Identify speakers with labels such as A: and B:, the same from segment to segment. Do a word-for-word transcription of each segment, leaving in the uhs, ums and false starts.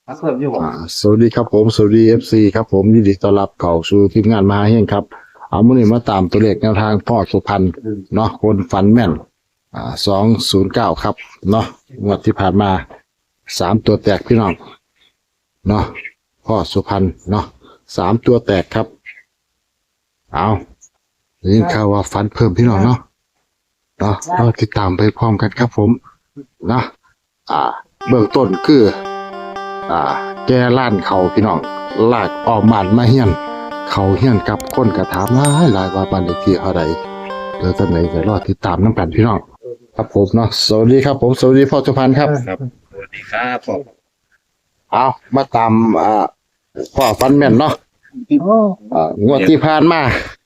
A: เพิ่มอยู่บ่
B: อ่าสวัสดีครับผมสวัสดี เอฟ ซี ครับผมยินดีต้อนรับเข้าสู่ทีมงานมหาเฮงครับเอามื้อนี้มาตามตัวเลขแนวทางพ่อสุพรรณเนาะคนฝันแม่นอ่าสองศูนย์เก้าครับเนาะงวดที่ผ่านมาสามตัวแตกพี่น้องเนาะพ่อสุพรรณเนาะสามตัวแตกครับเอาได้ยินข่าวว่าฝันเพิ่มพี่น้องเนาะเนาะเราติดตามไปพร้อมกันครับผมเนาะอ่าเบื้องต้นคืออ่าแกล้านเขาพี่น้องลากออกบ้านมาเฮียนเขาเฮียนกับคนกระถามหลายหลายว่าบ้านเลขที่เท่าใดเดี๋ยวตอนไหนจะรอติดตามน้ำกันพี่น้องครับผมเนาะสวัสดีครับผมสวัสดีพ่อสุพรรณครับ
A: ครับสวัสดีครับผม
B: เอามาตามอ่าพ่อฟันแม่นเนาะ
C: โอ้
B: อ่างวดที่ผ่านมา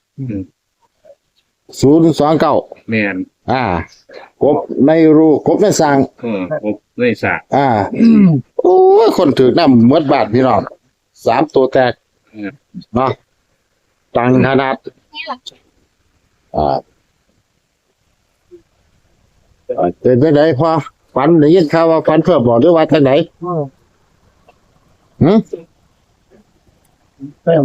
B: ศูนย์สองเก้า
A: แมน
B: อ่ากบในรูกบในสร้าง
A: เออครบเลยสะ
B: อ่าโอ้ยคนถือน้ำเมดบาทพี่น้องสามตัวแตก
A: เออ
B: เนาะตังขนาดอ่าเอ่อเป็นไปไหนพอฝันได้ยินข่าวว่าฝันเพื่อบอกด้วยว่าทางไหน
C: โอ้
B: หืม
C: เต็ม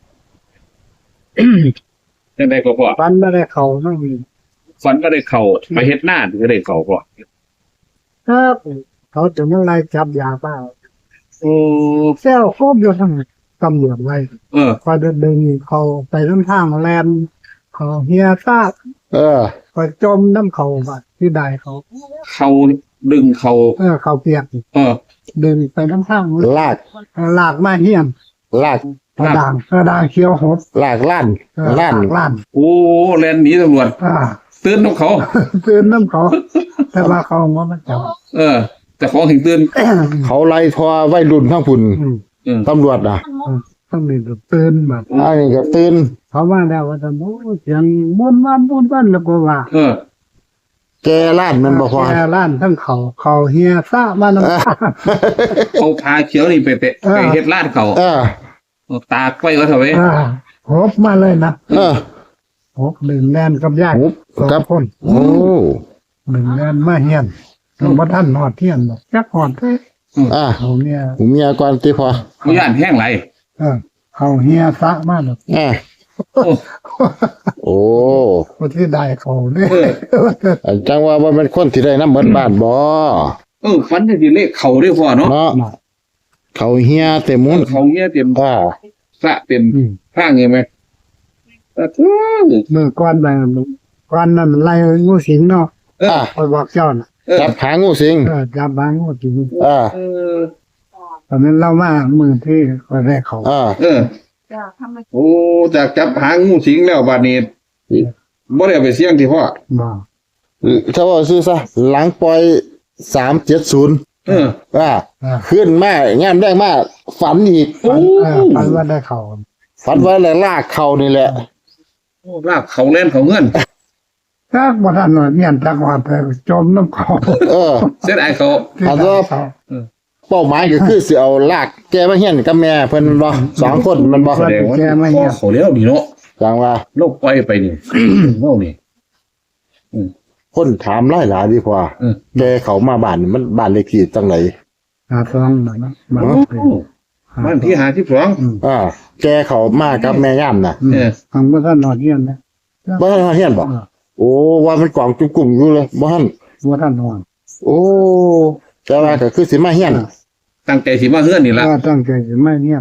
A: ยังไงก็พอ
C: ฟันไม่ได้เขาไม่มี
A: ฝันก็ได้เข่าไปเฮ็ดหน้าถึงจะได้เข่าพอ
C: ครับเขาจะไม่ไล่จับยาเปล่า
A: โอ้
C: เซลโคบอยู่ทั้งตำรวจไว้
A: เออ
C: คอยเดินเดินเขาไปน้ำทางแลนเขาเฮียซา
B: เออ
C: คอยจมน้ำเขาบัดที่ใดเขา
A: เขาดึงเขา
C: เออเขาเปียก
A: เออ
C: ดึงไปน้ำทาง
B: ลาก
C: ลากมาเฮียน
B: ลาก
C: กระด่างกระด่างเขียวหด
B: ลากล้าน
C: เออ
B: ล้าน
C: ลากล้าน
A: โอ้แลนหนีตำรวจ
C: อ่า
A: ตื่นน้ำเขา
C: ตื่นน้ำเขา แต่ว่าเขาว่ามันจับ
A: เออ แต่ของถึงตื่น
B: เขาไล่ทอไว้รุ่นทั้งพุ่น
C: อืม
A: เออ
B: ตำรวจนะ
C: ต้องมีตื่นแบบ
B: อันนี้ก็ตื่น
C: เขาว่าแล้วว่าจะโอ้เสียงบุญวันบุญวันแล้วก็ว่า
A: เออ
B: แกล้านมันบ่พอ
C: แกล้านทั้งเขาเขาเฮียซ่ามาน้ำตา
A: เอาพาเขียวนี่ไปเตะ
C: เออ
A: ไปเฮ็ดลาดเขา
B: เออ
A: เอาตากไว้ว่าเถอะเว้ย
C: อ่าหบมาเลยนะ
B: เออ
C: หบหนึ่งแนนกับญาติ
B: หบ
C: สอง
B: ครับ
C: คน
B: โอ้
C: หนึ่งแนนมาเฮียนต้องมาท่านหอดเทียนบอกจักหอดเท่
B: อ่ะ
C: เขาเนี่ย
B: ผมมีอาการที่พอ
A: เขาย่านแห้งไหล
C: เออเขาเฮียซ่ามาแล้ว
B: อ่ะ
A: โอ้
B: โอ้
C: คนที่ได้เขาเนี่ย
B: อันจังว่าบ่เป็นคนที่ได้น้ำเหมือนบ้านบ่
A: เออฝันจะดีเลขเขาด้วยพ่อเนาะ
B: เนาะเขาเฮียเต็มมุน
A: เขาเงี้ยเต็ม
B: อ่า
A: สระเต็ม
C: อืม
A: ข้างเงี้ยไหมเออ
C: มือก้อนไปก้อนนั้นมันไล่งูสิงเนาะ
A: เออ
B: อ่ะ
C: คอยบอกเจ้าน่ะ
A: เออ
B: จับขางูสิง
C: เออจับบางงูสิง
B: อ่า
A: เออ
C: ตอนนั้นเล่ามามือที่คอยได้เขา
B: อ่า
A: เออโอ้จากจับหางงูสิงแล้วบาดนี้บ่ได้เอาไปเสี่ยงที่พ่อ
C: บอก
B: ถ้าว่าซื้อซะหลังปล่อยสามเจ็ดศูนย์
A: เออ
B: อ่า
C: อ่า
B: ขึ้นมางามได้มากฝันอีก
C: ฝันเออฝันว่าได้เขา
B: ฝันว่าอะไรลากเขานี่แหละ
A: โอ้ลากเขาเล่นเขาเงิน
C: ถ้าบ่ทันหน่อยเมียนจักว่าแต่จมน้ำเขา
B: เออ
A: เส้นไอ้เขา
B: อันว่า
C: เขา
B: เป้าหมายก็คือสิเอาลากแกมาเฮียนกับแม่เพิ่นบ่สองคนมันบ่
A: แสดงว่าพ่อเขาเลี้ยวนี่เนาะ
B: จังว่า
A: โลกปล่อยไปนี่ เนานี่
B: คนถามหลายหลายดีกว่า
A: เออ
B: แกเขามาบ้านนี่มันบ้านเลขที่จังไหน
C: หาซองหน่อยนะมา
A: โอ้บ้านที่หาที่สอง
C: อืม
B: อ่า แกเขามากับแม่ย่ามน่ะ
C: อืม
A: เออ
C: ทางบ่ทันหน่อยเมียนนะ
B: บ่ทันเฮียนบ่
C: เออ
B: โอ้ว่ามันกล่องจุ่กุ่มอยู่เลยบ่ทัน
C: บ่ทันหน่อย
B: โอ้แต่ว่าก็คือสิมาเฮียน
A: ตั้งใจสิมาเฮือนนี่ล่ะ
C: ก็ตั้งใจสิไม่เมียน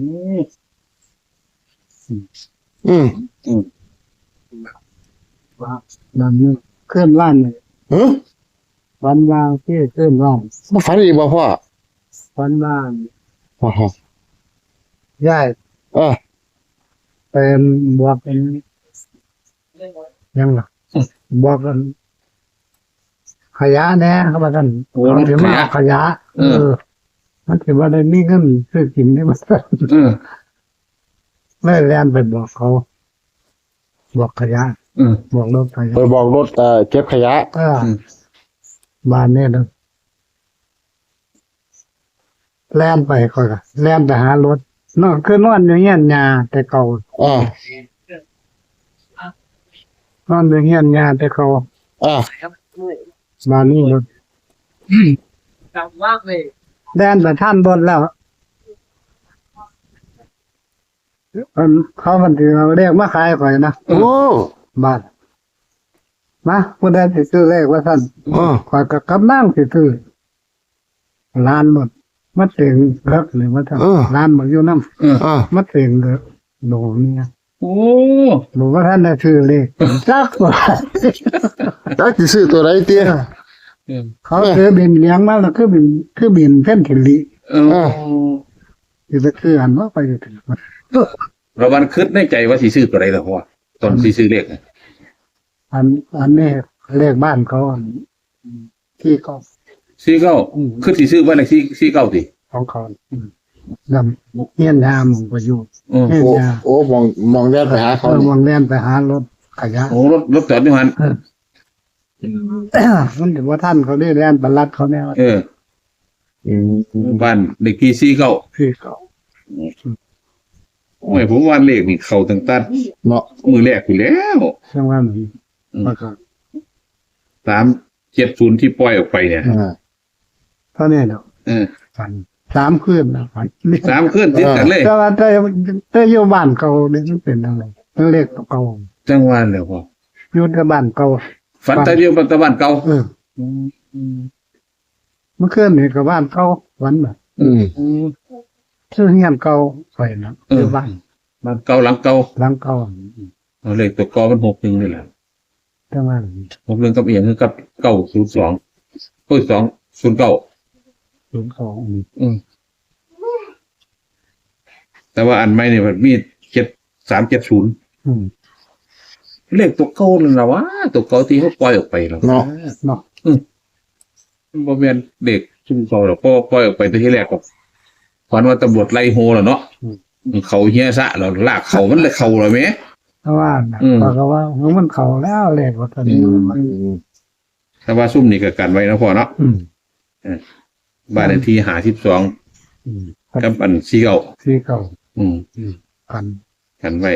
B: อืม
C: ว่านั่นนี่เคลื่อนล้านเลย
B: เฮ้ย
C: วันวางที่เคลื่อนล้าน
B: บ่ฝันอีกบ่พ่อ
C: วันวาง
B: อ๋อ
C: ย้าย
B: เออ
C: เป็นบวกเป็นยังล่ะบอกกัน ขยะแน่ครับว่าท่าน
A: โอ้
C: เขา
A: รถ
C: ถือ
A: ข
C: มาย
A: ะ
C: ขยะ
A: เออ
C: มันถือว่าได้มีเงินซื้อกินได้มา
A: เออ
C: ไม่แลนไปบอกเขา บอกขยะ
A: เออ
C: บอกรถขยะ
B: ไปบอกรถเอ่อเก็บขยะ
C: เออ
A: อืม
C: บ้านเนี่ยนะแล่นไปค่อยก็แล่นไปหารถนอนคือนอนอย่างเงี้ยยาแต่เก่า
B: อ่าน
C: อนอย่างเงี้ยยาแต่เก่า
B: อ่า
C: บ้านนี้รถ
D: จำว่างเลย
C: แล่นไปท่านบนแล้วอันเขามันถือเอาเลขมาขายข่อยนะ
B: โอ้
C: บาทมาผู้ใดสิซื้อเลขว่าท่าน
B: อ๋อ
C: ข่อยกับกำนั่งสิซื้อล้านหมดมาเต็งเลิกเลยว่าท่านล้านหมดอยู่น้
A: เออ
B: อ่า
C: ำมาเต็งเลยโหนูเนี่ย
A: โอ้
C: หนูว่าท่านได้ซื้อเลขจักว่า
B: จักสิซื้อตัวไหนเตี้ย
A: เออ
C: เขาซื้อบินเลี้ยงมาแล้วคือบินคือบินเพ่นถิลิ
A: เออ
C: คือจะคืออันว่าไปถึง
A: เราวันคิดในใจว่าสิซื้อตัวใดล่ะพ่อตอนสิซื้อเลขน่ะ
C: อันอันนี้เลขบ้านเขาอันที่เขา
A: สี่เก้าคือสิซื้อบ้านเลขที่สี่เก้าติ
C: ของเขาดำเฮียนยามของประยุทธ์
A: เออ
C: เฮียน
B: โอ้
C: ยาม
B: โอ้มองมองแดนไปหาเขา
C: เขา
B: นี่
C: วางเล่นไปหารถขยะ
A: โอ้รถรถจอดอยู่หัน
C: มันถือว่าท่านเขาได้เล่นบรรลัดเขาเนี่ย
A: เออ
B: อืม
A: บ้านเลขที่สี่เก้า
C: ที่เขา
A: โอ้ยผมว่าเลขนี่เข้าตั้งแต่
B: เนาะ
A: มือแรกอยู่แล้ว
C: ช่างว่าหนูแล้วก็
A: สามเจ็ดศูนย์ที่ปล่อยออกไปเนี่ย
B: อ่า
C: เท่านี้เนาะ
A: เออ
C: ฝันสามคืนนะฝัน
A: สามขึ้นติดกันเลย
C: แต่ว่าแต่แต่อยู่บ้านเก่าเนี่ยมันเป็นอะไรมันเลขเก่า
A: จังหวะเลยพ่อ
C: อยู่ในบ้านเก่า
A: ฝันแต่เดียวปัตตะวันเก่า
C: เออเมื่อคืนนี่กับบ้านเก่าฝันแบบ
B: อืม
C: ชื่อเฮียนเก่าไปนะอยู่บ้าน
A: บ้านเก่าหลังเก่า
C: หลังเก่า
A: เอาเลขตัวกอมันหกหนึ่งนี่แหละ
C: จังว่า
A: หกหนึ่งกับเอียงคือกับเก้าศูนย์สองเก้าสองศูนย์เก้า
C: ศูนย์สอง
A: อืมแต่ว่าอันใหม่เนี่ยมันมีเจ็ดสามเจ็ดศูนย์
C: อืม
A: เลขตัวเก่านั่นแหละวะตัวเก่าที่เขาปล่อยออกไปแล้ว
B: เนาะ
C: เนาะ
A: บ่แม่นเด็กชุมเก่าหรอกเพราะว่าปล่อยออกไปตัวที่แรกก็ฝันว่าตำรวจไล่โฮแล้วเนาะเขาเฮียซะแล้วลากเขามันเลยเขาแล้วแหม
C: เพราะว่าน่ะ
A: อืม
C: เพราะว่ามันเขาแล้วเลขว่าตอนนี้
B: อืม
A: แต่ว่าซุ่มนี่ก็กันไว้นะพ่อเนาะ
C: อืม
A: บ้านเลขที่หาสิบสอง
C: อืม
A: กับอันสี่เก้า
C: ที่เก่า
A: อืม
C: กัน
A: กันไว้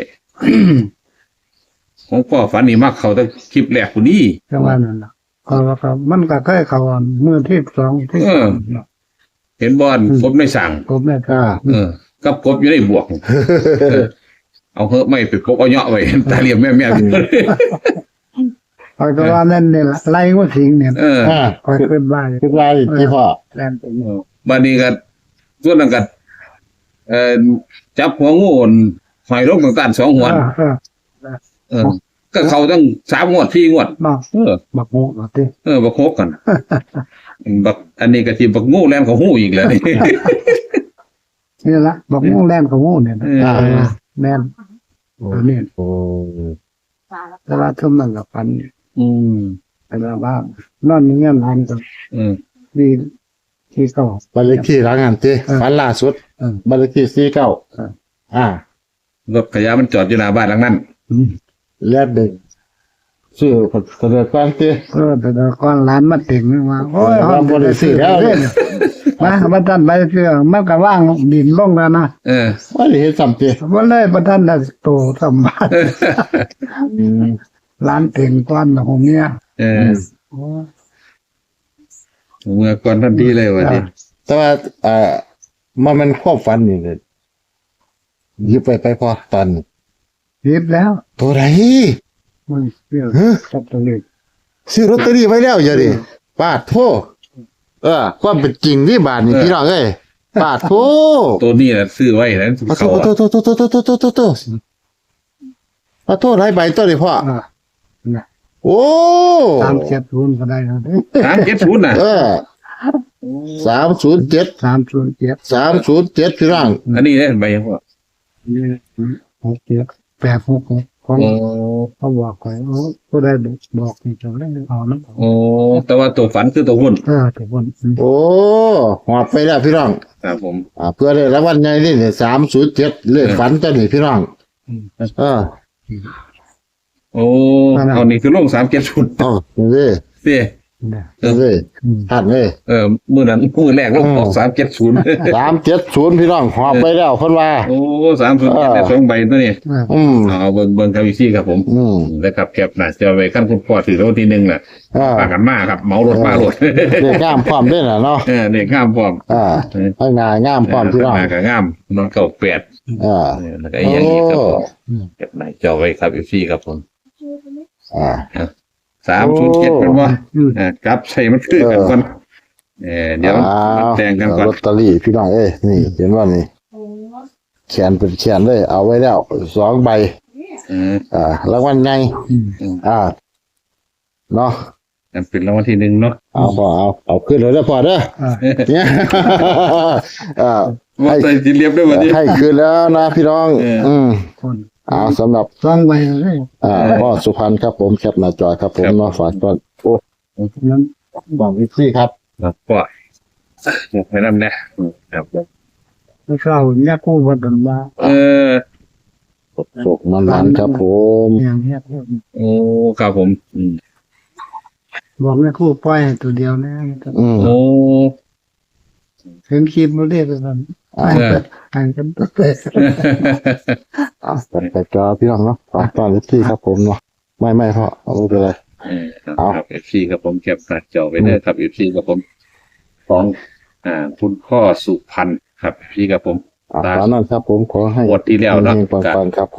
A: ของพ่อฝันนี่มักเขาตั้งคลิปแรกคนนี้
C: จังว่านั่นน่ะก็ก็มันก็เคยเขาอันเมื่อที่สองที่
A: เออ
C: สามเนาะ
A: เห็นบอลกบในสั่ง
C: ผมเนี่ย
B: อ่า
A: เออ กับกบอยู่ในบวกเออเอาเหอะไม่ไปพกเอาเนาะไว้ ตาเหลี่ยมแม่แม่
C: คอยก็ว่านั่นเนี่ยไล่ว่าสิงเนี่ย
A: เออ
B: อ่า
C: คอยขึ้นบ้าน
B: คือไรที่พ่อ
C: แล่นไปเนี่ย
A: บัดนี้ก็ส่วนนั้นก็เอ่อจับหัวงูหอยลงต่างๆสองหัว
C: เออเออ
A: เออ ก็เขาตั้งสามงวดสี่งวด
C: เนาะ
A: เออ
C: บักโง่เนาะที่
A: เออบักโคกกัน บักอันนี้ก็สิบักงูแล่นเขาหูอีกแล้วนี่
C: นี่ละบักโง่แล่นกับโง่เนี่ยนะ
A: เออ
C: เออแม่นตัวนี้
B: โอ้
C: แต่ว่าทุ่มนั่นกับฟัน
A: อืม
C: แต่ว่าว่านอนนี่เงี้ยมันก็
A: เออ
C: ดีที่เก่า
B: บ้านเลขที่หลังงานเต้
C: เออ
B: ฝันล่าสุด
C: เออ
B: บ้านเลขที่สี่เก้า
C: เออ
B: อ่า
A: รถขยะมันจอดอยู่หน้าบ้านหลังนั้น
C: อืม
B: แลดเด็กชื่อเสด็จกวางเต้
C: เออแต่ละก้อนร้านมาติ่งมาโอ้ย
B: เออบ่ได้ซื้อแล้ว
C: เนี่ยมาประทันไปเชื่อมันก็ว่างดินลงแล้วนะ
A: เออ
B: ว่าได้เห็นสัมเต้
C: ว่าเลยประทันได้โตสมบัติ
B: อืม
C: ร้านติ่งก้อนของเนี่ย
A: เออ
C: โอ้
A: เมื่อก่อนทันทีเลยวันนี้
B: แต่ว่าเอ่อมันมันความฝันนี่เลยหยิบไปไปพอตอนนี้
C: ยิบแล้ว
B: ตัวไหน
C: มึงเรื่อง
B: ฮะ
C: จับตัวเล็ก
B: ซื้อลอตเตอรี่ไว้แล้วอย่าดิปาดโทเออ ความเป็นจริงที่บาทนี่พี่น้องเอ้ยปาดโท
A: ตัวนี้นะซื้อไว้นะ
B: ปาดโท
A: เขา
B: ปาดโทโทโทโทโทโทโทโทปาดโทหลายใบตัวนี้พ่อ
C: อ่า
B: โอ้
C: ตามเจ็ดศูนย์ก็ได้นะ
A: สามเจ็ดศูนย์น่ะ
B: เออสามศูนย์เจ็ด
C: สามศูนย์เจ็ด
B: สามศูนย์เจ็ดพี่น้อง
A: อันนี้เนี่ยใบยังพ่อ
C: หกเจ็ดแปดหกหกของ
A: โอ้
C: เขาบอกไว้โอ้ผู้ใดบอกนี่จะเล่นเอาน้ำ
A: โอ้แต่ว่าตัวฝันคือตัวหุ้น
C: เออแต่คน
B: โอ้หอบไปแล้วพี่น้อง
A: ครับผม
B: อ่าเพื่อได้รางวัลใหญ่นี่เนี่ยสามศูนย์เจ็ดเลขฝันตัวนี้พี่น้องเออ
A: โอ้เอานี่คือลงสามเจ็ดศูนย์
B: เอ๋อนี่
A: เสีย
C: เนี่ย
B: เลยท่านเลย
A: เออมื้อนั้นมื้อแรกเราออกสามเจ็ดศูนย์
B: สามเจ็ดศูนย์พี่น้องหอบไปแล้วเพิ่นว่า
A: โอ้สามศูนย์ได้สองใบตัวนี้
C: อ่า
B: อืม
A: เอาเบิ่งเบิ่งครับพี่ซี่ครับผม
B: อืม
A: แล้วครับแคปหน้าจอไว้ขั้นคุณพ่อถือรถที่หนึ่งน่ะ
B: อ่า
A: ปากันมาครับเหมารถมารถ
B: เด็กงามพร้อมด้วยน่ะเนาะ
A: เออเด็กงามพร้อม
B: อ่าให้งานงามพร้อมพี่น้อง
A: มากับงามนอนเก่าแปด
B: อ่า
A: เออแล้วก็อีกอย่างนี้ครับผม
B: โอ้
A: แคปหน้าจอไว้ครับพี่ซี่ครับผม
B: อ่า
A: สามศูนย์เจ็ดเป็นว่า
C: อืม
A: อ่ากลับใส่มันคือกันก่อนเออเดี๋ยว
B: อ้า
A: มันแต่งกันก่อน
B: ลอตเตอรี่พี่น้องเอ้ยนี่เห็นว่านี่แขนเป็นแขนเลย เอาไว้แล้วสองใบ
A: เออ
B: อ่ารางวัลใหญ่
C: อืม
B: อ่าเนาะ
A: นั่นเป็นรางวัลที่หนึ่งเนาะ
B: เอาพอเอาเอาขึ้นเลยเด้อพอเด้อ
C: อ่า
B: เนี่ยอ่า
A: ว่าใส่จีเรียบด้วยวันนี้
B: ให้คืนแล้วนะพี่น้อง
A: เออ
B: อืม
C: คน
B: เอาสำหรับ
C: ฟังไปเลย
B: อ่าพ่อสุพรรณครับผมแคปหน้าจอครับผมเนาะฝากก่อนโอ้
C: นั้น
B: บอกวิซี่ครับ
A: ครับก็หมกไปนั่นนะครับ
C: ไม่เข้าเนี่ยกู้มากันมา
A: เออ
B: ตกมันมันครับผม
C: อย่างเนี้ย
A: โอ้ครับผมอืม
C: บอกเนี่ยกู้ปล่อยให้ตัวเดียวนะ
B: อืม
A: โอ้
C: ถึงคลิปมาเรียกกัน
B: อ่า
A: เออ
C: อ่านกันตัวเอง
B: อ่าแต่จอพี่น้องเนาะฝากตอนวิซี่ครับผมเนาะไม่ไม่พ่อเอาไม่เป็นไร
A: เออครับเอฟซีครับผมเก็บหน้าจอไว้เด้อครับเอฟซีครับผมของอ่าคุณพ่อสุพรรณครับเอฟซีครับผม
B: อ่าตอนนั้นครับผมขอให้
A: งวดที่แล้วเนาะ
B: เฮงๆปังๆครับ